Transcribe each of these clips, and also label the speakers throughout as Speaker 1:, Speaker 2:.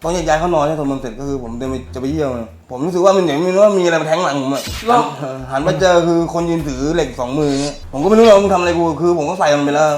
Speaker 1: ตอนย้ายเขานอนเนี่ยสวดมนต์เสร็จก็คือผมเดินไปจะไปเยี่ยวเลยผมรู้สึกว่ามันเหมือนมีอะไรมาแทงหลังผมอะหันมาเจอคือคนยืนถือเหล็ก2 มือเนี่ยผมก็ไม่รู้ว่ามึงทำอะไรกูคือผมก็ใส่มันไปแล้ว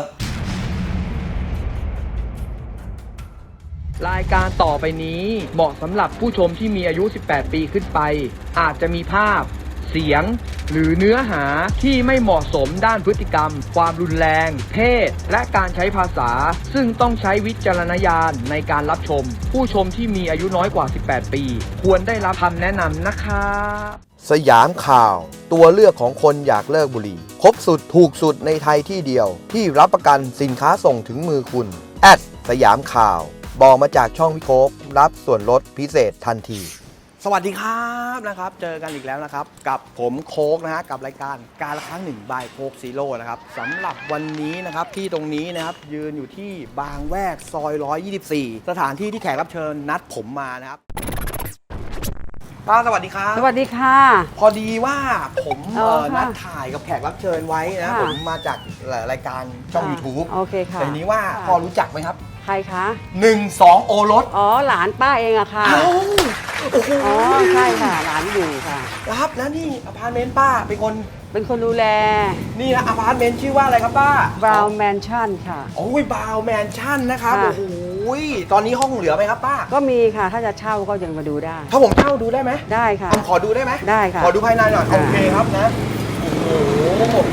Speaker 2: รายการต่อไปนี้เหมาะสำหรับผู้ชมที่มีอายุ 18 ปีขึ้นไปอาจจะมีภาพเสียงหรือเนื้อหาที่ไม่เหมาะสมด้านพฤติกรรมความรุนแรงเพศและการใช้ภาษาซึ่งต้องใช้วิจารณญาณในการรับชมผู้ชมที่มีอายุน้อยกว่า 18 ปีควรได้รับคำแนะนำนะครับ
Speaker 3: สยามข่าวตัวเลือกของคนอยากเลิกบุหรี่ครบสุดถูกสุดในไทยที่เดียวที่รับประกันสินค้าส่งถึงมือคุณสยามข่าวบอกมาจากช่องพี่โค้กรับส่วนลดพิเศษทันทีสวัสดีครับนะครับเจอกันอีกแล้วนะครับกับผมโค้กนะฮะกับรายการการละครั้งหนึ่งบายโค้กซีโร่นะครับสำหรับวันนี้นะครับที่ตรงนี้นะครับยืนอยู่ที่บางแวกซอย124สถานที่ที่แขกรับเชิญนัดผมมานะครับป้าสวัสดีครับ
Speaker 4: สวัสดีค่ะ
Speaker 3: พอดีว่าผม
Speaker 4: ค่ะ
Speaker 3: นัดถ่ายกับแขกรับเชิญไว้นะ
Speaker 4: ค่ะ
Speaker 3: ผมมาจากรายการช่อง YouTube
Speaker 4: โอเคค่ะ
Speaker 3: แต่ทีนี้ว่า
Speaker 4: ค่ะ
Speaker 3: พอรู้จักไหมครับ
Speaker 4: ใครคะ
Speaker 3: 12 โอรส
Speaker 4: อ๋อ หลานป้าเองอะค่ะ
Speaker 3: อ้าวโอ้โห
Speaker 4: อ๋อ ใช่ค่ะ หลานอยู่ค่ะ
Speaker 3: ครับแล้วนี่อพาร์ตเมนต์ป้าเป็นคน
Speaker 4: เป็นคนดูแล
Speaker 3: นี่นะอพาร์ตเมนต์ชื่อว่าอะไรครับป้า
Speaker 4: Brown Mansion ค่ะ
Speaker 3: โอ้ยบาวแมนชั่นนะครับ
Speaker 4: ค่ะ
Speaker 3: โอ้โหตอนนี้ห้องเหลือไหมครับป้า
Speaker 4: ก็มีค่ะ ถ้าจะเช่าก็ยังมาดูได้
Speaker 3: ถ้าผมเช่าดูได้ไหม
Speaker 4: ได้ค่ะ
Speaker 3: ผมขอดูได้ไหม
Speaker 4: ได้ค่ะ
Speaker 3: ขอดูภายในหน่อย
Speaker 4: ค่ะ
Speaker 3: โอเคครับนะโอ้โห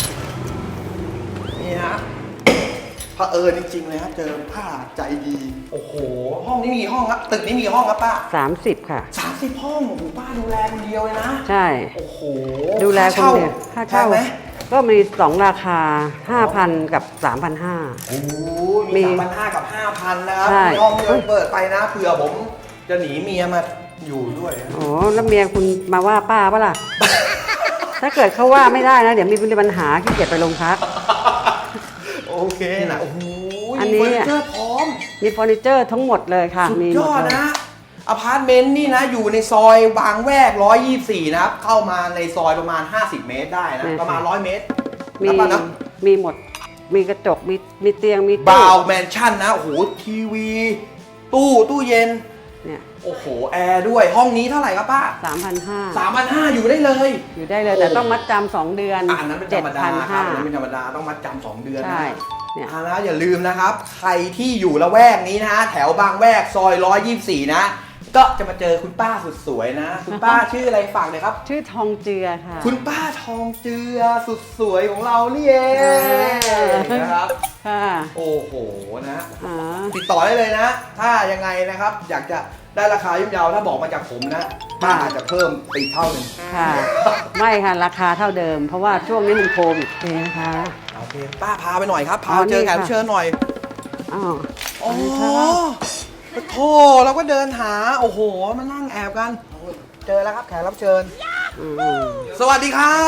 Speaker 3: นี่ฮะเผอิญจริงๆเลยครับเจอป้าใจดีโอ้โหห้องนี้มีห้องครับตึกนี้มีห้องครับป้า
Speaker 4: 30 ค่ะ
Speaker 3: 30 ห้องโอ้โหป้าดูแลคนเดียวเลยนะ
Speaker 4: ใช่
Speaker 3: โอ้โห
Speaker 4: ดูแลคนเดียว
Speaker 3: ค่า
Speaker 4: ค่า
Speaker 3: เช่า
Speaker 4: เช่า
Speaker 3: ไหม
Speaker 4: ก็มี 2 ราคา 5,000 กับ 3,500
Speaker 3: โอ้โห
Speaker 4: มี
Speaker 3: มี3,500 กับ 5,000 นะครับ
Speaker 4: ใช่
Speaker 3: ห้องเงินเปิดไปนะเผื่อผมจะหนีเมียมาอยู่ด้วยนะ
Speaker 4: โอ้แล้วเมียคุณมาว่าป้าปะล่ะ ถ้าเกิดเขาว่าไม่ได้นะ เดี๋ยวมีปัญหาขี้เกียจไปโรงพัก
Speaker 3: โอเคนะโอ้โห
Speaker 4: อันนี้
Speaker 3: เฟอร์นิเจอร์พร้อม
Speaker 4: มีเฟอร์นิเจอร์ทั้งหมดเลยค่ะ
Speaker 3: สุด
Speaker 4: มี
Speaker 3: ย
Speaker 4: หม
Speaker 3: อด
Speaker 4: เลย
Speaker 3: นะอพาร์ตเมนต์นี่นะอยู่ในซอยบางแวก124นะครับเข้ามาในซอยประมาณ50 เมตรได้นะประมาณ100 เมตร
Speaker 4: มี
Speaker 3: นะป้านะ
Speaker 4: มีหมด มีกระจก มีเตียง มีตู้
Speaker 3: บาวแมนชั่นนะโอ้โหทีวี ตู้เย็น
Speaker 4: เนี่ย
Speaker 3: โอ้โหแอร์ด้วยห้องนี้เท่าไหร่ครับป้า
Speaker 4: 3,500
Speaker 3: 3,500อยู่ได้เลย
Speaker 4: อยู่ได้เลย แต่ต้องมัดจำ2 เดือน
Speaker 3: อันนั้นเป็นธรรมดาครับอันนั้นเป็นธรรมดาต้องมัดจำ2 เดือน
Speaker 4: ใช่
Speaker 3: นะ
Speaker 4: เนี่ย
Speaker 3: นะอย่าลืมนะครับ ใครที่อยู่ละแวกนี้นะแถวบางแวกซอย124นะ ก็จะมาเจอคุณป้าสุดสวยนะ คุณป้าชื่ออะไรฝากเลยครับ
Speaker 4: ชื่อทองเจือค่ะ
Speaker 3: คุณป้าทองเจือสุดสวยของเรานี่เองนะครับ
Speaker 4: ค่ะ
Speaker 3: โอ้โหนะ
Speaker 4: อ๋อ
Speaker 3: ติดต่อได้เลยนะ ถ้ายังไงนะครับ อยากจะได้ราคาย่อมเยาถ้าบอกมาจากผมนะป้าอาจจะเพิ่มไปอีกเท่าหนึ่ง
Speaker 4: ค่ะ ไม่ค่ะ ราคาเท่าเดิม เพราะว่าช่วงนี้มันโควิดเองนะคะ
Speaker 3: โอเคป้าพาไปหน่อยครับ พา
Speaker 4: อ๋อ
Speaker 3: เจอแขก
Speaker 4: นี่
Speaker 3: รับ
Speaker 4: ค่ะ
Speaker 3: เชิญหน่อย
Speaker 4: อ๋อ
Speaker 3: อ๋อ
Speaker 4: นี่ค่ะ
Speaker 3: โธ่เราก็เดินหา โอ้โห มานั่งแอบกัน เจอแล้วครับแขกรับเชิญ
Speaker 4: อืม
Speaker 3: สวัสดีครับ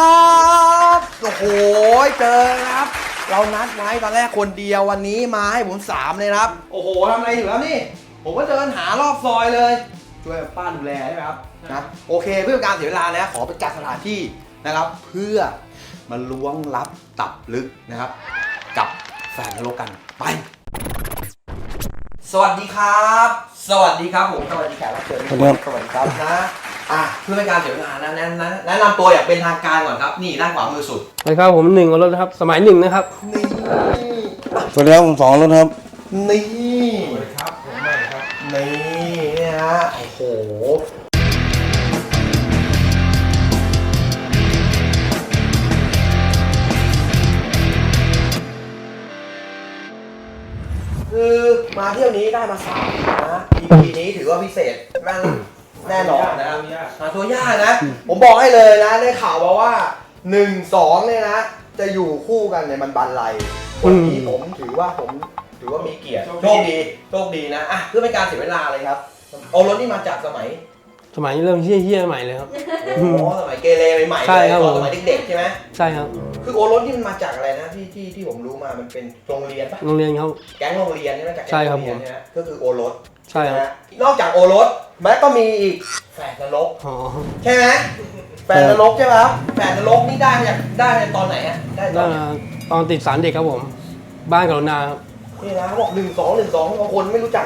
Speaker 3: โอ้โห เจอครับ เรานัดไว้ตอนแรกคนเดียววันนี้มาให้ผม3เลยนะครับ โอ้โหทำอะไรอยู่แล้วนี่ ผมก็เดินหารอบซอยเลย ช่วยป้าดูแลใช่ไหมครับนะโอเคเพื่อการเสียเวลานะขอไปจัดสถานที่นะครับ เพื่อมาล้วงลับตับลึกนะครับ กับแฟนนรกกันไป สวัสดีครับ สวัสดีครับผมสวัสดีแขกรับเชิญ
Speaker 1: สวัสดีครับ
Speaker 3: สวัสดีครับนะเพื่อเป็นการเสียเวลานะแนะนำตัวอย่างเป็นทางการก่อนครับนี่ด้านขวามือสุด
Speaker 5: สวัสดีครับผมหนึ่งอรถนะครับสมัยหนึ่งนะครับ
Speaker 3: นี่
Speaker 1: สวัสดีครับผม2 รถครับ
Speaker 3: นี่สวัสดีครับผมใหม่ครับนี่เนี่ยฮะโอ้โหคือมาเที่ยวนี้ได้มา3นะ EP นี้ถือว่าพิเศษแน่นอนนะครับหาตัวยากนะ ผมบอกให้เลยนะได้ข่าวมาว่า 1-2เนี่ยนะ จะอยู่คู่กันในมันบันไลวันนี้ผมถือว่ามีเกียรติโชคดีนะเพื่อเป็นการเสียเวลาเลยครับโอรสนี่มาจากสมัย
Speaker 5: เริ่มเฮี้ยๆใหม่เลยครับ
Speaker 3: โอ้โหสมัยเกเรใหม่ๆ
Speaker 5: ใช่
Speaker 3: เลย
Speaker 5: ครับ
Speaker 3: ต
Speaker 5: ผ
Speaker 3: อน
Speaker 5: ม
Speaker 3: สมัยเด็กๆใช่ไหม
Speaker 5: ใช่ครับ
Speaker 3: คือโอรสนี่มันมาจากอะไรนะที่ผมรู้มามันเป็นโรงเรียนปะ
Speaker 5: โรงเรียนเขา
Speaker 3: แก๊งโรงเรียนใช่ไหมจากแก๊
Speaker 5: ใช่
Speaker 3: ง
Speaker 5: ครั
Speaker 3: โร
Speaker 5: บ
Speaker 3: งเรียนใช่ไหมก็คือโอรส
Speaker 5: ใช่ครับ
Speaker 3: นะฮะนอกจากโอรสแม้ก็มีอีกแฝดนรก
Speaker 5: อ๋อ
Speaker 3: ใช่ไหมแฝดนรกใช่ไหมครับแฝดนรกนี่ได้มาตอนไหนฮะได้ต
Speaker 5: แล้
Speaker 3: อ
Speaker 5: วน
Speaker 3: ไหน
Speaker 5: ตอนติดสารเด็กครับผม บ้านกรุณาครับ
Speaker 3: นี่นะเขาบอก1-2บางคนไม่รู้จักนะ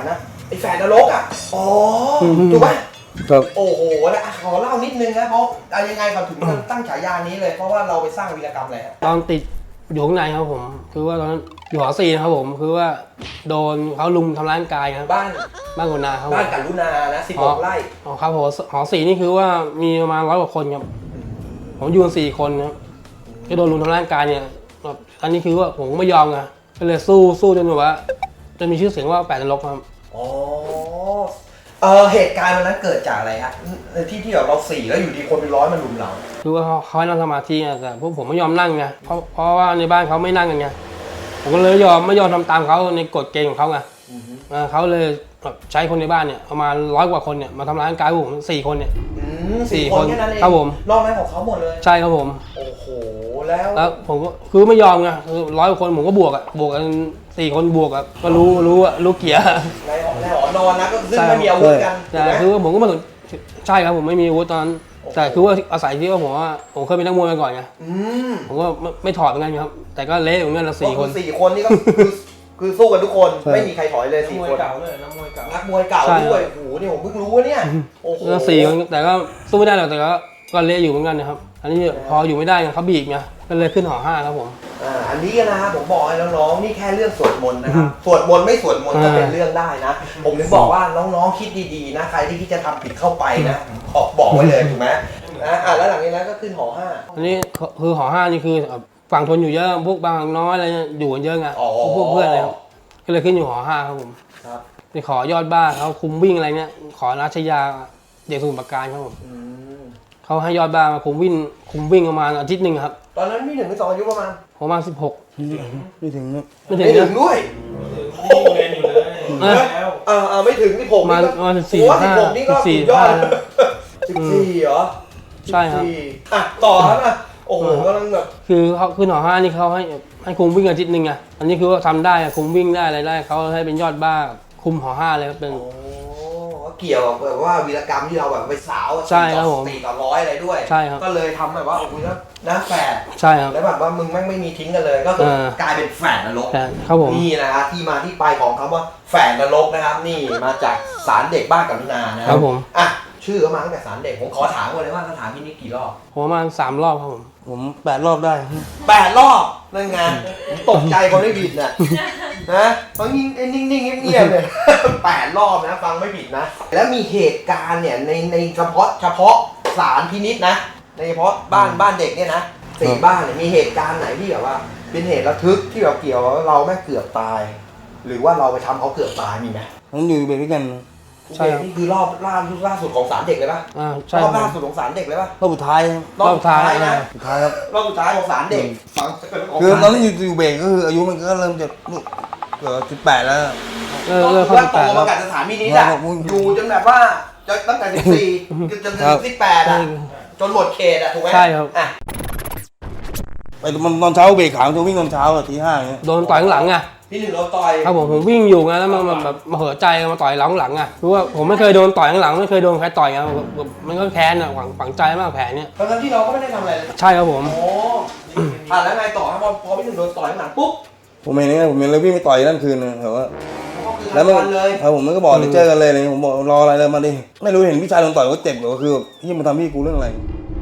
Speaker 3: ไอ้แฝดนรกอ่ะอ๋อถูกไหม
Speaker 1: ครับ
Speaker 3: โอ้โหนะขอเล่านิดนึงนะเพราะยังไงเขาถึงตั้งฉายานี้เลยเพราะว่าเราไปสร้างวีรกรรมอะไรครับ
Speaker 5: ตอนติดอยู่ข้างในครับผม คือว่าตอนนั้นอยู่หอ4นะครับผมคือว่าโดนเขาลุมทำร้ายร่างกายครับ
Speaker 3: บ้าน
Speaker 5: บ้านกุนาครับผม
Speaker 3: บ้านกัลุนานะ16 ไร่
Speaker 5: อ๋อครับผมหอ4นี่คือว่ามีประมาณ100 กว่าคนครับผมอยู่กัน4 คนครับก็โดนลุมทำร้ายร่างกายเนี่ยแบบอันนี้คือว่าผมก็ไม่ยอมไงก็เลยสู้จนแบบว่าจนมีชื่อเสียงว่าแปดนรกครับ
Speaker 3: อ๋อเหตุการณ์วันนั้นเกิดจากอะไรฮะที่แบบเรา4แล้วอยู่ดีคนเป็น100มาลุมเรา
Speaker 5: คือว่าเขาให้นั่งสมาธิไงแต่พวกผมไม่ยอมนั่งไงเพราะว่าในบ้านเขาไม่นั่งกันไงผมก็เลยไม่ยอมทำตามเขาในกฎเกณฑ์ของเขาไงเขาเลยแบบใช้คนในบ้านเนี่ยประมาณ100 กว่าคนเนี่ยมาทำร้ายร่างกายผม4 คนเนี่ย
Speaker 3: 4 คนแค่นั้นเอง
Speaker 5: ครับผม
Speaker 3: รอบนั้นของเขาหมดเลย
Speaker 5: ใช่ครับผม
Speaker 3: โอ้โหแล้ว
Speaker 5: ผมก็คือไม่ยอมไงคือ100 กว่าคนผมก็บวกกัน4 คนบวกอะก็รู้เกียร์
Speaker 3: ในหอนอนนะก็ซึ่งไม่มีอาวุธกัน
Speaker 5: ใช่
Speaker 3: ถูกไหม
Speaker 5: คือว่าผมก็มาใช่ครับผมไม่มีอาวุธตอนนั้นแต่คือว่าอาศัยที่ว่าผมเคยเป็นนักมวยมาก่อนไง ผมก็ไม่ถอดเหมือนกันครับ แต่ก็เละเหมือนกันละ4 คน
Speaker 3: 4 คนนี่ก็คือสู้กันทุกคนไม่มีใครถอยเลย4 คน
Speaker 5: นักมวยเก่า
Speaker 3: นักมวยเก่า
Speaker 5: ใช่
Speaker 3: ด้วยโอ้โหนี่ผมเพิ่งรู้ว่าเนี่ยโอ้โห
Speaker 5: ก็4 คนแต่ก็สู้ไม่ได้หรอกแต่ก็เละอยู่เหมือนกันนะครับ อันนี้พออยู่ไม่ได้ไงเขาบีบไงก็เลยขึ้นหอ5ครับผม
Speaker 3: อันนี้นะครับผมบอกให้น้องๆนี่แค่เรื่องสวดมนต์นะครับสวดมนต์ไม่สวดมนต์ก็เป็นเรื่องได้นะ ผมถึงบอกว่าน้องๆคิดดีๆนะใครที่คิดจะทำผิดเข้าไปนะบอกไว้เลยถูกไหมแล้วหลังจากนั้นก็ขึ้นหอ5
Speaker 5: อันนี้คือหอ5นี่คือฝั่งทนอยู่เยอะพวกบางน้อยอะไรเนี่ยอยู่กันเยอะไงพวกเพื่อนอะไรครับก็เลยขึ้นอยู่หอ5ครับผม
Speaker 3: ครับ
Speaker 5: ไปขอยอดบ้าเขาคุมวิ่งอะไรเนี่ยขอราชยาเด็กสมุทรปราการครับผมเขาให้ยอดบ้ามาคุมวิ่งประมาณอาทิตย์หนึ่งครับ
Speaker 3: ตอนนั้นพี่1 หรือ 2อายุประมาณ
Speaker 5: ประมาณ16
Speaker 1: ไม่ถึงนะ
Speaker 5: ไม่ถึง
Speaker 3: ไม่ถึ
Speaker 5: นะ
Speaker 3: งด้วย ไม่ถึง16
Speaker 5: ประมาณ
Speaker 3: นี่ก็
Speaker 5: 14
Speaker 3: โอ้16นี่ก็สุดยอด14เหรอ
Speaker 5: ใช่ครับ
Speaker 3: ต่อครับโอ้โหกำลังแบบ
Speaker 5: คือเขาขึ้นหอ5นี่เขาให้คุมวิ่งอาทิตย์หนึ่งไงอันนี้คือว่าทำได้คุมวิ่งได้อะไรได้เขาให้เป็นยอดบ้าคุมหอ5เลยครับเป็น
Speaker 3: เกี่ยวกับแบบว่าวีรกรรมที่เราแบบไปสาว
Speaker 5: ใช่ครับผม
Speaker 3: 4 ต่อ 100อะไรด้วย
Speaker 5: ใช่ครับ
Speaker 3: ก็เลยทำแบบว่าโอ้โหนะแฝด
Speaker 5: ใช่ครับ
Speaker 3: แล้วแบบว่ามึงแม่งไม่มีทิ้งกันเลย ก็คือกลายเป็นแฝดนรก
Speaker 5: แต่ครับผม
Speaker 3: นี่นะฮะที่มาที่ไปของคำว่าแฝดนรกนะครับ นี่มาจากศาลเด็กบ้านกรุณานะครับ
Speaker 5: ผม
Speaker 3: ชื่อเขามาตั้งแต่ศาลเด็กผมขอถามก่อนเลยว่าสถานที่นี้กี่รอบ
Speaker 5: ผมประมาณ3 รอบครับผม
Speaker 1: ผม8 รอบได้
Speaker 3: 8 รอบนั่นไงผมตกใจคนไม่ผิดน่ะนะฟังนิ่งๆเงียบๆเลย 8 รอบนะฟังไม่ผิดนะ แล้วมีเหตุการณ์เนี่ยในเฉพาะศาลพินิจนะในเฉพาะบ้านเด็กเนี่ยนะ4 บ้านเนี่ยมีเหตุการณ์ไหนที่แบบว่า เป็นเหตุระทึกที่แบบเกี่ยวกับเราแม่งเกือบตาย หรือว่าเราไปทำเขาเกือบตายมีไหม
Speaker 1: มันอยู่เบรกด้วยกัน
Speaker 5: ใช่ครับ
Speaker 3: นี่คือรอบล่าสุดของศาลเด็กเลยปะ
Speaker 5: ใช่
Speaker 3: ร
Speaker 5: ค
Speaker 3: อ
Speaker 5: รั
Speaker 3: บบ ล่าสุดของศาลเด็กเลยปะ
Speaker 1: รอบสุดท้าย
Speaker 3: รอบสุดท้ายนะ
Speaker 1: สุดท้ายครับ
Speaker 3: รอบสุดท้ายของศาลเด็กฟัง
Speaker 1: คือตอนนั้นอยู่เบรกก็คืออายุมันก็เริ่มจะเกือบ18แล้ว
Speaker 5: เลิก
Speaker 3: ก็
Speaker 5: เข้า
Speaker 3: คือว่าโต
Speaker 5: 18
Speaker 3: มา
Speaker 5: แล้ว
Speaker 3: กับสถานพินิจอะ
Speaker 1: ครับ
Speaker 3: อยู่จนแบบว่าตั้งแต่14จนถึง18อะจนหมดเขตอะถูกไหม
Speaker 5: ใช่ครับ
Speaker 3: อ่ะ
Speaker 1: ไปตอนเช้าเบรกขาวจะวิ่งตอนเช้าตี 5อย่างเงี้ย
Speaker 5: โดนต่อยข้างหลังไง
Speaker 3: พี่หนึ่งเราต่อย
Speaker 5: ครับผมวิ่งอยู่ไงแล้วมันแบบมาเหือใจมาต่อยหลังไงคือว่าผมไม่เคยโดนต่อยข้างหลังไม่เคยโดนใครต่อยไงมันก็แค้นอ่ะฝังใจมากแผลเนี้ย
Speaker 3: ทั้งที่เราก็ไม่ได้ทำอะไรเลย
Speaker 5: ใช่ครับผม
Speaker 3: โอ้แล้วไงต่อครับพอพี่หนึ่งโดนต่อยข้างหลังปุ๊บ
Speaker 1: ผมเห็นเนี่ยผมเห็นเลยวิ่งไปต่อยนั่นคืนนึงแต่ว่า
Speaker 3: ก็คือ
Speaker 1: แล้วมัน
Speaker 3: ทำเลย
Speaker 1: ครับผมมันก็บอกเดี๋ยวเจอกันเลยอะไรเงี้ยผมบอกรออะไรเลยมาดิไม่รู้เห็นพี่ชายโดนต่อยก็เจ็บหรือว่าคือที่มันทำพี่กูเรื่องอะไร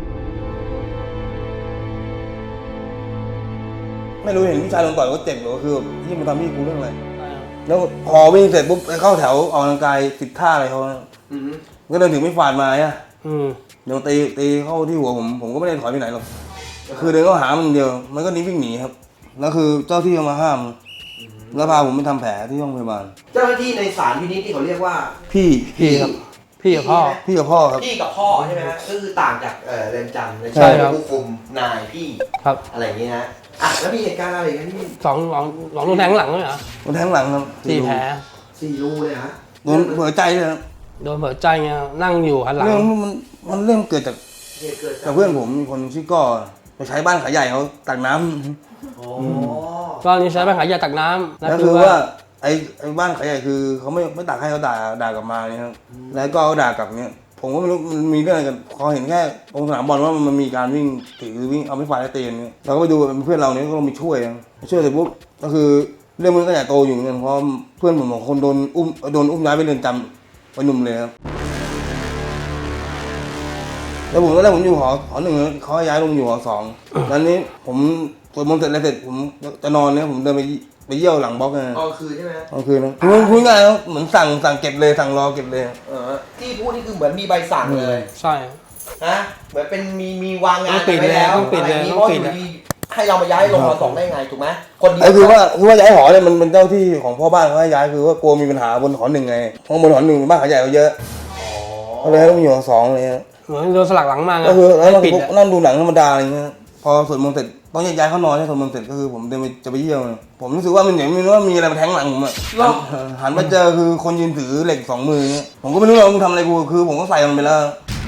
Speaker 1: ไม่รู้เห็นพี่ชายโดนต่อยก็เจ็บหรือว่าคือที่มันทำพี่กูเรื่องอะไรแล้วพอวิ่งเสร็จปุ๊บไปเข้าแถวออกกำลังกายติดท่าอะไรเขาก็เดินถึงไม่ฝาดมาอ่ะเดี๋ยวตีเข้าที่หัวผมก็ไม่ได้ถอยไปไหนหรอกคือเดินเข้าหามันเดียวมันก็หนีวิ่งหนีครับแล้วคือเจ้าที่เขามาห้ามแล้วพาผมไปทำแผลที่โรงพยาบาล
Speaker 3: เจ้าหน้าที่ในศาลพินิจที่เขาเรียกว่า
Speaker 1: พี่ครับ
Speaker 5: พี่กับพ่อ
Speaker 1: พี่กับพ่อครับ
Speaker 3: พี่กับพ่อใช่ไหมฮะก็คือต่างจากเรือนจำใน
Speaker 5: ใช่ครับ
Speaker 3: ผู้คุมนายพี่
Speaker 5: ครับ
Speaker 3: อะไรอย่างนี้นะแล้วมีเหตุการณ์อะไรกันที่
Speaker 5: สองโดนแทงข้างหลังเลยเหรอ
Speaker 1: โดนแทงหลังครับ
Speaker 5: 4 แผล
Speaker 3: 4 รูเลยฮะ
Speaker 1: โดนหัวใจเลยครับ
Speaker 5: โดนเผือใจไงนั่งอยู่หันหลัง
Speaker 1: เรื่องมันเริ่มเกิดจาก
Speaker 3: เหตุเกิด
Speaker 1: กับเพื่อนผมมีคนชื่อก้อไปใช้บ้านขายใหญ่เขาตักน้ำ
Speaker 3: อ๋อ
Speaker 5: ก็นี่ใช้ปัญหายาตักน้ำ
Speaker 1: แล้วคือว่าไอ้บ้านขายใหญ่คือเขาไม่ตักให้เขาด่ากลับมาเนี่ยครับแล้วก็เขาด่ากลับเนี่ยผมก็ไม่รู้มันมีเรื่องอะไรกันพอเห็นแค่ตรงสนามบอลว่ามันมีการวิ่งถือวิ่งเอาไม่ฟาดแล้วเตะเนี่ยเราก็ไปดูเป็นเพื่อนเราเนี่ยก็ลงไปช่วยเสร็จปุ๊บก็คือเรื่องมันก็ใหญ่โตอยู่เหมือนกันเพราะเพื่อนผมของคนโดนอุ้มย้ายไปเรือนจำไปหนุ่มเลยครับแล้วผมตอนแรกผมอยู่หอหนึ่งเขาย้ายลงอยู่หอสองแล้วนี้ผมสวดมนต์เสร็จอะไรเสร็จผมจะนอนเนี่ยผมเดินไปเยี่ยวหลังบล็อกไง
Speaker 3: ตอนคืนใช่ไหม
Speaker 1: ตอนคืนนะพูดง่ายๆเหมือนสั่งเก็บเลยสั่งรอเก็บเลย
Speaker 3: ที่พูดนี่คือเหมือนมีใบสั่งเลย
Speaker 5: ใช่
Speaker 3: นะเหมือนเป็นมีวางงาน
Speaker 5: ต้องปิด
Speaker 3: ไว้แล้ว
Speaker 5: ต้องปิดเลย
Speaker 3: ะไรางงี้
Speaker 5: ต้องปิด
Speaker 3: เพราะอยู่ดีให้เรามาย้ายลงหอสองได้ไงถูกไหมคนเดียว
Speaker 1: ไอ้คือว่าย้ายหอเนี่ยมันเป็นเจ้าที่ของพ่อบ้านเขาให้ย้ายคือว่ากลัวมีปัญหาบนหอหนึ่งไงเพราะบนหอหนึ่งบ้านเขาใหญ่กว่าเยอะก็เลยต้องอยู่หอสองเลย
Speaker 5: เหมือนโดนสลักหลังมาไง
Speaker 1: ก็คือแล้วเรา
Speaker 5: ปิด
Speaker 1: ก็นั่งดูหนังธรรมดาอะไรเงี้ยพอสวดมนต์เสร็จต้องย้ายเขานอนให้สวดมนต์เสร็จก็คือผมเดินไปจะไปเยี่ยวผมรู้สึกว่ามันเหมือนมีว่ามีอะไรมาแทงหลังผมอ่ะหันมาเจอคือคนยืนถือเหล็ก2 มือผมก็ไม่รู้ว่ามึงทำอะไรกูคือผมก็ใส่มันไปแล้ว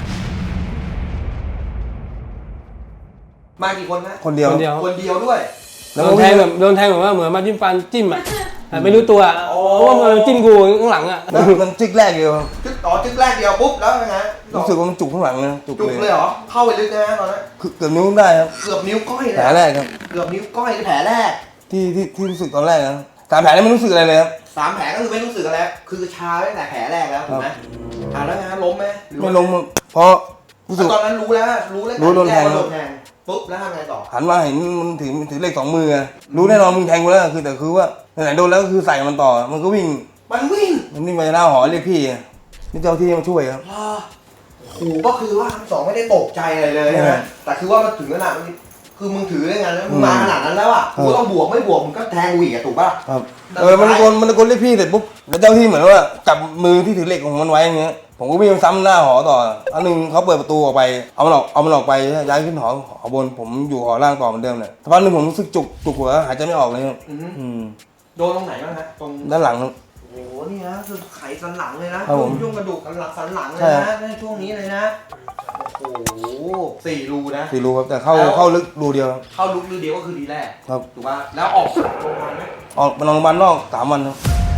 Speaker 3: มากี่คนนะ
Speaker 1: คนเดียว
Speaker 5: คนเดียว
Speaker 3: คนเดียวด้วย
Speaker 5: โดนแทงแบบว่าเหมือนมาจิ้มฟันจิ้มอ่ะแต่ไม่รู้ตัวเพราะว่ามันจิ้มกูข้างหลังอ่ะ
Speaker 1: แล้วมันจิกแรกเดียว
Speaker 3: จึ๊กแรกเดียวปุ๊บแล้วยังไง
Speaker 1: รู้สึกว่ามันจุกข้างหลังนะจุก
Speaker 3: จุก
Speaker 1: เลย
Speaker 3: เลยเหรอเข้าไปลึกนะตอนนั้น
Speaker 1: คือเกือบนิ้วได้ครับ
Speaker 3: เกือบนิ้วก้อยเลย
Speaker 1: แผลแรกครับ
Speaker 3: เกือบนิ้วก้อยคือแผลแรก
Speaker 1: ที่รู้สึกตอนแรกนะ3 แผลนี่ไม่รู้สึกอะไรเลยครับ
Speaker 3: 3 แผลก็คือไม่รู้สึกอะไรคือชาตั้งแต่แผลแรกแล้วถูกไหมแล้วไงล้มไหมหรือ
Speaker 1: ไม่
Speaker 3: ว่า
Speaker 1: ล้มเพราะรู้สึก
Speaker 3: ตอนนั้นรู้แล้ว
Speaker 1: รู้โดนแทง
Speaker 3: ว่าโดนแทงปุ๊บแล้วทำไงต่อ
Speaker 1: หันมาเห็นมันถือเหล็ก2 มือรู้แน่นอนมึงแทงกูแล้วคือแต่คือว่าไหนๆโดนแล้วก็คือใส่มันต่อมันก็วิ่ง
Speaker 3: มันวิ่ง
Speaker 1: ไปหน้าหอเรียกพี่นี่เจ้าที่มาช่วยครับ
Speaker 3: โอ้โหก็คือว่าทั้งสองไม่ได้ตกใจอะไรเลยนะแต่คือว่ามันถึงขนาดคือมึงถือได้ไงแล้วมึงมาขนาดนั้นแล้วอ่ะกูก็ต้องบวกไม่บวกมึงก็แทงกูอีกอะถูกป่ะ
Speaker 1: ครับมันตะโกนเรียกพี่เสร็จปุ๊บแล้วเจ้าที่เหมือนว่าจับมือที่ถือเหล็กของมันไว้อย่างเงี้ยผมก็วิ่งซ้ำหน้าหอต่ออันนึงเขาเปิดประตูออกไปเอามันออกไปย้ายขึ้นหอบนผมอยู่หอล่างต่อเหมือนเดิมเลยสักพักนึงผมรู้สึกจุกหัวหายใจไม่ออกเลย
Speaker 3: โดนตรงไหนบ้างฮะตรง
Speaker 1: ด้านหลังครับ
Speaker 3: โอ้โหนี่นะคือไขสันหลังเลยนะครับ
Speaker 1: ผม
Speaker 3: ช่วงกระดูกสันหลังเลย
Speaker 1: ใช่
Speaker 3: นะในช่วงนี้เลยนะโอ้โห4 รูนะ
Speaker 1: 4 รูครับแต่เข้าลึกรูเดียวครับ
Speaker 3: เข้าลุกรูเดียวก็คือดีแรก
Speaker 1: ครับ
Speaker 3: ถูกป่ะแล้วออกโรงพยาบาลไหม
Speaker 1: ออกมาโรงพยาบาลนอก3 วันครับ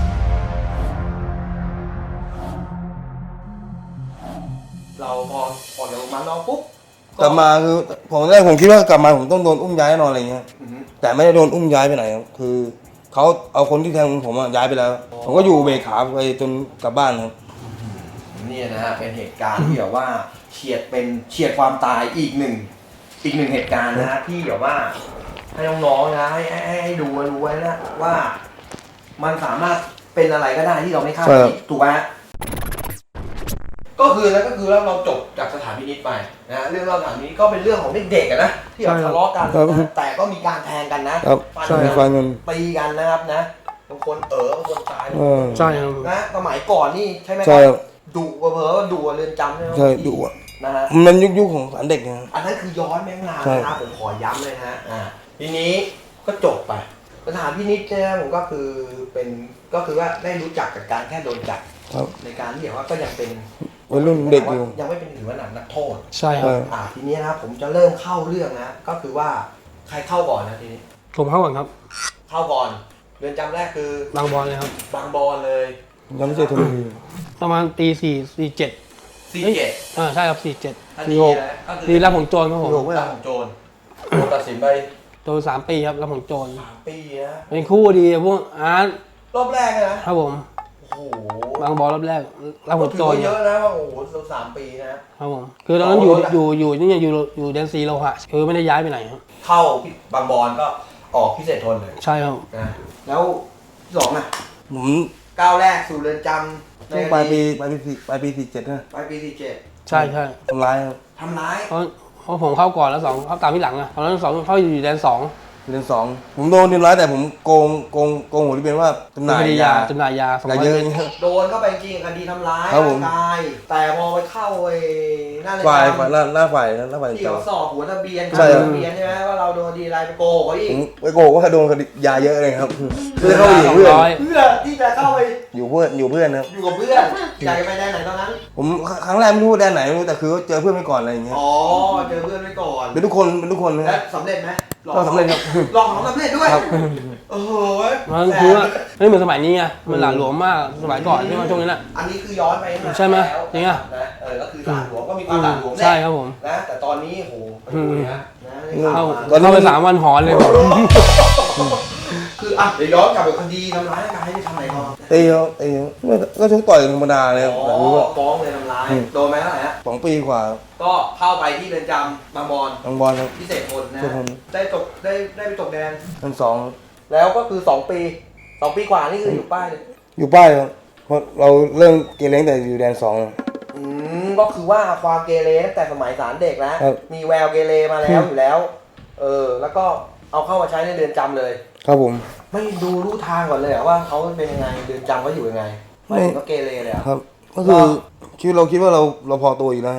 Speaker 3: เราพอออกจากโรงพยาบาลนอกปุ๊บ
Speaker 1: กลับมาคือผมคิดว่ากลับมาผมต้องโดนอุ้มย้ายแน่นอนอะไรเงี้ยแต่ไม่ได้โดนอุ้มย้ายไปไหนครับคือเขาเอาคนที่แทงผมย้ายไปแล้วผมก็อยู่เบรกขาไปจนกลับบ้านครับ
Speaker 3: นี่นะฮะเป็นเหตุการณ์ที่แบบว่าเฉียดความตายอีกหนึ่งเหตุการณ์นะฮะที่แบบว่าให้น้องๆนะให้ดูไว้นะว่ามันสามารถเป็นอะไรก็ได้ที่เราไม่คาดคิดถูกไหมก็คือเราจบจากสถานพินิจไปนะเรื่องเราสถานพินิจก็เป็นเรื่องของเด็กๆนะที่แบบทะเลาะกันนะแต่ก็มีการแทงกันนะฟันกันตีกันนะครับนะบางคนบางคนตาย
Speaker 5: ใช่ครับ
Speaker 3: นะสมัยก่อนนี่ใช่ไหมค
Speaker 1: ใช่
Speaker 3: รับดุเผลอๆดุเรือนจำใช่ไหม
Speaker 1: ใช่ดุอ่ะ
Speaker 3: นะฮะ
Speaker 1: มันยุคของสารเด็กนะ
Speaker 3: อันนั้นคือย้อนแม่งนาน
Speaker 1: ใช่
Speaker 3: นะครับผมขอย้ำเลยนะฮะทีนี้ก็จบไปสถานพินิจเนี่ยผมก็คือว่าได้รู้จักกับการแค่โดนจับ
Speaker 1: ครับ
Speaker 3: ในการที่แบบว่าก็ยังเป็น
Speaker 1: วัยรุ่นเด็กอยู่
Speaker 3: ยังไม่เป็นถือว่าหนักโทษ
Speaker 5: ใช่ครับ
Speaker 3: ทีนี้นะครับผมจะเริ่มเข้าเรื่องนะก็คือว่าใครเข้าก่อนนะทีนี้
Speaker 5: ผมเข้าก่อนครับ
Speaker 3: เข้าก่อนเรือนจำแรกคือบ
Speaker 5: างบอลเลยครับ
Speaker 3: บางบอนเลย
Speaker 1: ยังไม่เจอทุนที
Speaker 5: ประมาณตี47
Speaker 3: 47
Speaker 5: ใช่ครับ47
Speaker 3: ทัน
Speaker 5: ที
Speaker 3: ที
Speaker 5: หก
Speaker 3: นะก็คือ
Speaker 5: ทีรับของโจรครับผม
Speaker 3: รับของโจรโดนตัดสินไป
Speaker 5: โจร3 ปีครับรับของโจร
Speaker 3: 3 ปีนะ
Speaker 5: เป็นคู่ดีพวกอาร์ต
Speaker 3: รอบแรกเลยนะครับ
Speaker 5: ผม
Speaker 3: โอ้โห
Speaker 5: บางบอลรอบแรกรับของ
Speaker 3: ถื
Speaker 5: โจ
Speaker 3: อ
Speaker 5: ร
Speaker 3: ว่าเยอะนะว่าโอ้โห3 ปีนะครับ
Speaker 5: ผมคือตอนนั้นอยู่แดนซีโลหะคือไม่ได้ย้ายไปไหนครับ
Speaker 3: เข้าบางบอนก็ออกพิเศษทนเลย
Speaker 5: ใช่ครับ
Speaker 3: นะแล้วที่2อ่ะ
Speaker 1: ผม
Speaker 3: ก้าวแรกสู่เรือนจำ
Speaker 1: ช่วงปลายปี47นะ
Speaker 3: ปลายปี47
Speaker 5: ใช่
Speaker 1: ทำร้ายครับ
Speaker 3: ทำร้าย
Speaker 5: เพราะผมเข้าก่อนแล้ว2เข้าตามที่หลังอะตอนนั้น2เข้าอยู่แดน2
Speaker 1: เดือน2ผมโดนทำร้ายแต่ผมโกงหัวที่เป็นว่าจำหน่าย
Speaker 5: คดี
Speaker 1: ยา
Speaker 5: จำหน่ายยา
Speaker 1: ยาเยอะอย่างเงี้ย
Speaker 3: โดนก็ไปจริงคดีทำร้าย
Speaker 1: ครับผม
Speaker 3: ร่างกายแต่พอไปเข้าไอ้หน้าเรือน
Speaker 1: ฝ่าย
Speaker 3: จำ
Speaker 1: หน้าฝ่ายที่
Speaker 3: ที่
Speaker 1: เจ้า
Speaker 3: เขาสอบหัวทะเบียน
Speaker 1: ใช่ครับ
Speaker 3: ทะเบียนใช่ไหมว่าเราโดนดีอะไรไปโกหกเขาอีก
Speaker 1: ผมไปโกงว่าโดนคดียาเยอะเลยครับเพื่อเข้าไปอยู่เพื่อน
Speaker 3: เพื่อที่จะเข้าไป
Speaker 1: อยู่เพื่อนครับ
Speaker 3: อยู่กับเพื่อนอยากจะไปแดนไหนตอนนั้น
Speaker 1: ผมครั้งแรกไม่รู้ว่าแดนไหนไม่รู้แต่คือเจอเพื่อนไปก่อนอะไรอย่างเงี้ย
Speaker 3: อ๋อเจอเพื่อนไว้ก่อน
Speaker 1: เป็นทุกคนนะ
Speaker 3: และสำเร็จไหม
Speaker 1: ก็สำเร็จครับ
Speaker 3: ลองของสำเร็จด้วย
Speaker 1: ครับ
Speaker 3: โอ้โห
Speaker 5: มันคือว่าไม่เหมือนสมัยนี้ไงมันหลาหลวมมากสมัยก่อนที่มาช่วงนี้น่ะ
Speaker 3: อันนี้คือย้อนไปนาน
Speaker 5: ใช่ไหม
Speaker 3: แล้ว
Speaker 5: จริงอะ
Speaker 3: นะก็คือหลาหลวมก็มีความหลาหลวมแหละ
Speaker 5: ใช่ครับผม
Speaker 3: นะแต่ตอนนี้โหไปดูนะได้ข่าว
Speaker 5: เข้า
Speaker 3: มา
Speaker 1: ตอนนี้
Speaker 5: เข้าไป3 วันหอนเลย
Speaker 3: คืออ่ะเดี๋ยวย้อนกลับไปคดีทำร้ายร่างกายที่ทำไหนก่อน
Speaker 1: ตีเขาตีเขาก็ชกต่อยธรรมดาเลยครับแต่รู้ว่า
Speaker 3: ฟ้องเลยทำร้ายโดนไหมเท่าไหร่ฮะ
Speaker 1: 2 ปีกว่า
Speaker 3: ก็เข้าไปที่เรือนจำบางบอน
Speaker 1: ทางบอลครับ
Speaker 3: พิเศษทนนะ
Speaker 1: พิเศษทน
Speaker 3: ได้ไปตกแดน
Speaker 1: ทั้งสอง
Speaker 3: แล้วก็คือ2 ปี2 ปีกว่านี่คืออยู่ป้ายเลย
Speaker 1: อยู่ป้ายครับเพราะเราเริ่มเกเรตั้งแต่อยู่แดน2
Speaker 3: ก็คือว่าความเกเรตั้งแต่สมัยศาลเด็กแล้ว
Speaker 1: ครับ
Speaker 3: มีแววเกเรมาแล้วอยู่แล้วแล้วก็เอาเข้ามาใช้ในเรือนจำเลย
Speaker 1: ครับผม
Speaker 3: ไม่ดูรู้ทางก่อนเลยเหรอว่าเขาเป็นยังไงเรือนจำเขาอยู่ยังไงไม่ถึงก็เกเรเลยเหรอ
Speaker 1: ครับ ก็คือชีวิตเราคิดว่าเราพอตัวอยู่แล้ว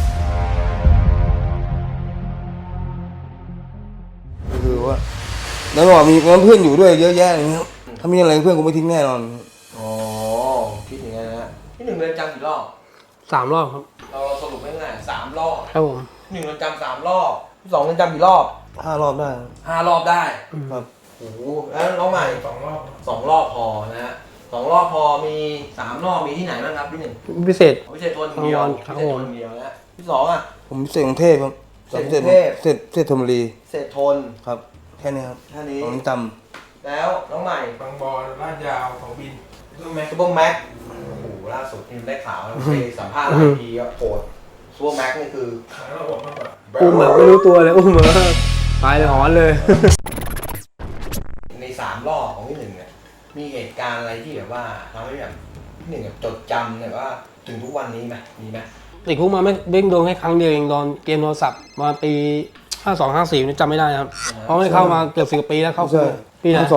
Speaker 1: ก็คือว่าแล้วบอกมีเพื่อนอยู่ด้วยเยอะแยะอย่างเงี้ยถ้ามีอะไรเพื่อนกูไม่ทิ้งแน่นอน
Speaker 3: อ๋อคิดอย่างนั้นนะฮะที่1เรือนจำกี่รอบ
Speaker 5: 3 รอบครับ
Speaker 3: เราสรุปง่ายๆ3 รอบ
Speaker 5: ครับผม
Speaker 3: 1เรือนจำ3 รอบ2เรือนจำกี่รอบ
Speaker 1: 5 รอบได้
Speaker 3: 5 รอบได้
Speaker 1: ครับ
Speaker 3: โอ้โหแล้วน้องใหม่2 รอบพอนะฮะ2 รอบพอมี3 รอบมีที่ไหนบ้างครับที่1
Speaker 5: พิเศษ
Speaker 3: พิเศษทนเดียว
Speaker 5: ครับ
Speaker 3: พิเศษทนเดียวนะที่2อ่ะ
Speaker 1: ผมเสกกรุงเทพครับ
Speaker 3: เสกกรุงเทพ
Speaker 1: เสกธนบุรี
Speaker 3: พิเศษทน
Speaker 1: ครับ แค่นี้ครับ
Speaker 3: แค่นี้
Speaker 1: ผมจ
Speaker 3: แล้วน้องใหม่
Speaker 5: บางบอนลาดยาวของบิน
Speaker 3: ซูเปอร์แม็กโอ้โหล่าสุดนี่ได้ข่าวแล้วไปสัมภาษณ์หลายทีก็โหดซูเปอร์แม็กนี่คือ
Speaker 5: อุ้มแบบไม่รู้ตัวเลยอุ้มแบบตายเลยหอนเลย
Speaker 3: ใน3 รอบของที่1เนี่ยมีเหตุการณ์อะไรที่แบบว่าทำให้แบบที่1แบบจดจำแบบว่าถึงทุกวันนี้ไหมมีไหม
Speaker 5: ติดคุกมาไม่เบ้งโดนแค่ครั้งเดียวเองตอนเกมโทรศัพท์มาปี 52 54นี่จำไม่ได้นะครับเพราะไม่ได้เข้ามาเกือบ10 ปีแล้วเข้า
Speaker 1: ำ
Speaker 5: คุก
Speaker 1: ใช่
Speaker 5: ปีไหน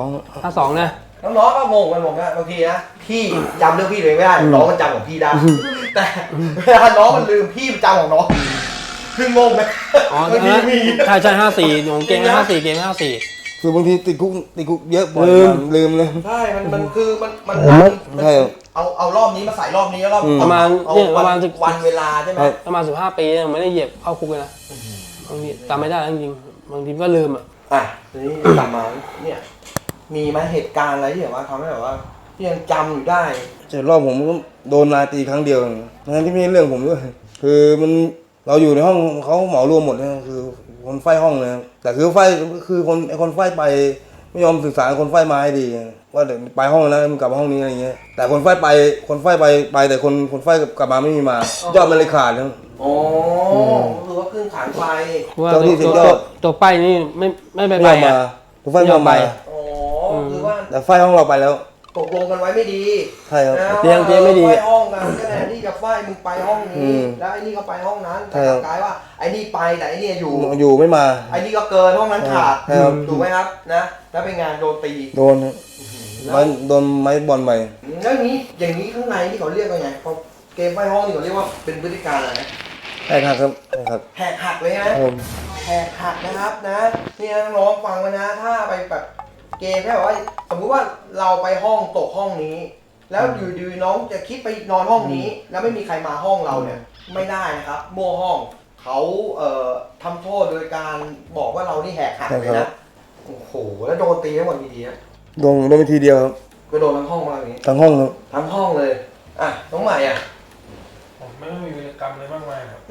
Speaker 1: 52
Speaker 5: 52นะ
Speaker 3: น้องๆก็งงกันผมนะบางทีนะพี่จำเรื่องพี่เลยไม่ได้น้องมันจำของพี่ได้แต่เวลาน้องมันลืมพี่มันจำของน้องคืองงไหม
Speaker 5: อ๋อบ
Speaker 3: างทีมี
Speaker 5: ใช่54ผมเกม54เกม54
Speaker 1: คือบางทีติดคุกเยอะบ่อยลืมเลย
Speaker 3: ใช่มันคือมัน
Speaker 1: ใช่ครับ
Speaker 3: เอารอบนี้มาใส่รอบนี้แล้วรอบ
Speaker 5: ประมาณ
Speaker 3: เอา
Speaker 5: เนี่ยประมาณ
Speaker 3: วันเวลาใช่ไหม
Speaker 5: ประมาณ15 ปีผมไม่ได้เหยียบเข้าคุกเลยนะบางทีจำไม่ได้จริงๆบางทีก็ลืมอ่ะ
Speaker 3: อ่ะทีนี้กลับมาเนี่ยมีไหมเหตุการณ์อะไรที่แบบว่าทำให้แบบว่าที่ยังจำอยู่ได้
Speaker 1: แต่รอบผมก็โดนนายตีครั้งเดียวทั้งที่ไม่ใช่เรื่องผมด้วยคือมันเราอยู่ในห้องเขาเหมารวมหมดนะคือคนไฟห้องเลยนะแต่คือไฟคือคนไฟไปไม่ยอมสื่อสารคนไฟมาให้ดีว่าเดี๋ยวไปห้องนั้นมึงกลับมาห้องนี้อะไรเงี้ยแต่คนไฟไปแต่คนไฟกลับมาไม่มีมายอดมันเลยขาดนะ
Speaker 3: โอ้คือว่าครึ่งขังไฟ
Speaker 5: ว่า
Speaker 1: เจ้าที่สุดยอด
Speaker 5: ตัวไปนี่ไม่ไป
Speaker 1: ไม่ยอมมา
Speaker 5: อ่ะ
Speaker 1: คนไฟไม่ยอมมา
Speaker 3: โอ้คือว่า
Speaker 1: แต่ไฟห้องเราไปแล้ว
Speaker 3: ตกลงกันไว้ไม่ดี
Speaker 1: ใช่ครับ
Speaker 3: นะ
Speaker 5: เตียงไม่ดี
Speaker 3: ไฟห้องกันก็แทนที่จะไฟมึงไปห้อง
Speaker 1: อื
Speaker 3: นี้
Speaker 1: ม
Speaker 3: แล้วไอ้นี่ก็ไปห้องนั้น
Speaker 1: ใช่
Speaker 3: แต่
Speaker 1: ครับ
Speaker 3: กลายว่าไอ้นี่ไปแต่ไอ้นี่อยู่
Speaker 1: อยู่ไม่มา
Speaker 3: ไอ้นี่ก็เกินห้องนั้นขาด
Speaker 1: ใช่ครับ
Speaker 3: ถูกไหมครับนะแล้วเป็นงานโดนตี
Speaker 1: โดนครับโดนไม้บอลไป
Speaker 3: แล้วอย่างนี้ข้างในที่เขาเรียกว่าไงพอเกมไฟห้องนี่เขาเรียกว่าเป็นพฤติการอะไรนะ
Speaker 1: ใช่ครับใช่ครับ
Speaker 3: แหกหักเลย
Speaker 1: ค
Speaker 3: นะ
Speaker 1: รับผม
Speaker 3: แหกหักนะครับนะนี่น้องๆฟังไว้นะถ้าไปแบบเกมแค่แบบว่าสมมุติว่าเราไปห้องตกห้องนี้ แล้วอยู่ดีน้องจะคิดไปนอนห้องนี้ แล้วไม่มีใครมาห้องเราเนี่ยไม่ได้นะครับมั่วห้องเขาทำโทษโดยการบอกว่าเรานี่แหกหักเลยนะโอ้โหแล้วโดนตีทั้งหมดกี่ทีนะ
Speaker 1: โดนไปทีเดียวครับ
Speaker 3: ก็โดนทั้งห้องมาอย่างนี้
Speaker 1: ทั้งห้องครับ
Speaker 3: ทั้งห้องเลยอ่ะน้องใหม่อ่ะ
Speaker 5: ผมไม่มีวิรกรรมอะไรมากมายครับ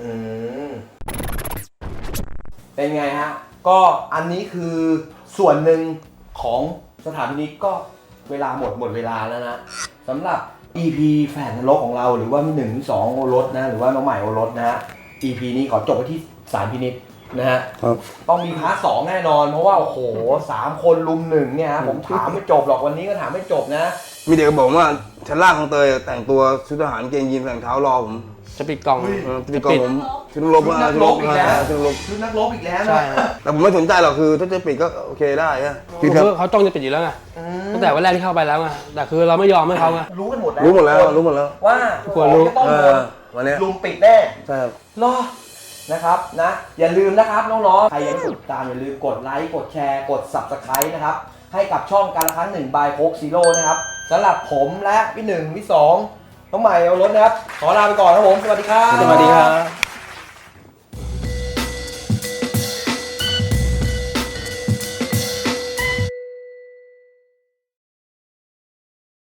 Speaker 3: เป็นไงฮะก็อันนี้คือส่วนหนึ่งของสถานพินิจก็เวลาหมดเวลาแล้วนะสำหรับ EP แฝดนรกของเราหรือว่า1 2โอรสนะหรือว่าน้องใหม่โอรสนะฮะ EP นี้ขอจบไปที่ศาลพินิจนะฮะ
Speaker 1: ครับ
Speaker 3: ต้องมีพาร์ท2แน่นอนเพราะว่าโอ้โห3 คนลุม1เนี่ยฮะผมถามไม่จบหรอกวันนี้ก็ถามไม่จบนะ
Speaker 1: มีเด็กบอกว่าชั้นล่างของเตยแต่งตัวชุดทหารเกงยีนส์แต่งเท้ารอผม
Speaker 5: จะปิดกล่อง
Speaker 1: จะปิดกล่องผมชุดรบ
Speaker 3: ชุดนักรบอีกแล้ว
Speaker 1: ชุดรบ
Speaker 3: คือนักรบอีกแล้ว
Speaker 5: ใช่
Speaker 3: นะ
Speaker 1: แต่ผมไม่สนใจหรอกคือถ้าจะปิดก็โอเคได้อะคือครับ
Speaker 5: เขาจ้องจะปิดอยู่แล้วไงตั้งแต่วันแรกที่เข้าไปแล้วไงแต่คือเราไม่ยอมให้เขาไง
Speaker 3: รู้กันหมดแล้ว
Speaker 1: รู้หมดแล้วรู้หมดแล้ว
Speaker 3: ว่า
Speaker 5: ควรรู้
Speaker 3: จะต้องโดน
Speaker 1: วันนี้
Speaker 3: ลุมปิดแน่
Speaker 1: ใช่ครับ
Speaker 3: รอนะครับนะอย่าลืมนะครับน้องๆใครยังไม่กดติดตามอย่าลืมกดไลค์กดแชร์กด Subscribe นะครับให้กับช่องการละครั้ง1 by Coke Zero นะครับสำหรับผมและพี่1พี่2น้องใหม่เอารถนะครับขอลาไปก่อนครับผมสวัสดีครับ
Speaker 5: สวัสดีครับ